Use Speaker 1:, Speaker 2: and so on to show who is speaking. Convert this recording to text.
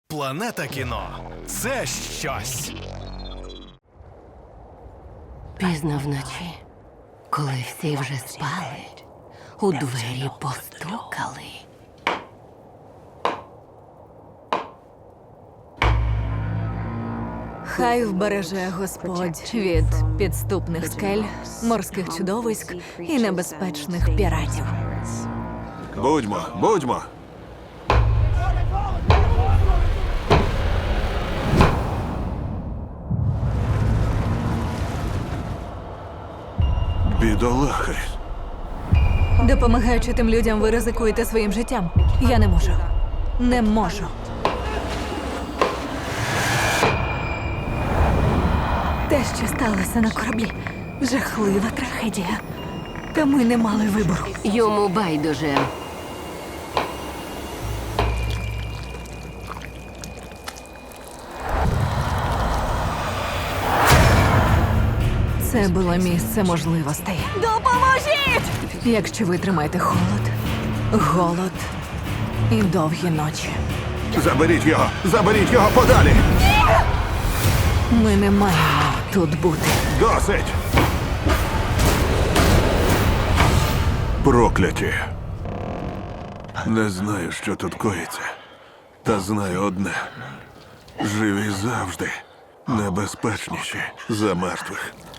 Speaker 1: Планета кіно – це щось.
Speaker 2: Пізно вночі, коли всі вже спали, у двері постукали.
Speaker 3: Хай вбереже Господь від підступних скель, морських чудовиськ і небезпечних піратів.
Speaker 4: Будьмо. Бідолахи.
Speaker 3: Допомагаючи тим людям, ви ризикуєте своїм життям. Я не можу. Не можу. Те, що сталося на кораблі, жахлива трагедія. Та ми не мали вибору.
Speaker 2: Йому байдуже.
Speaker 3: Це було місце можливостей. Допоможіть! Якщо ви тримаєте холод, голод і довгі ночі.
Speaker 4: Заберіть його подалі!
Speaker 3: Ми не маємо тут бути.
Speaker 4: Досить! Прокляті. Не знаю, що тут коїться. Та знаю одне. Живі завжди небезпечніші за мертвих.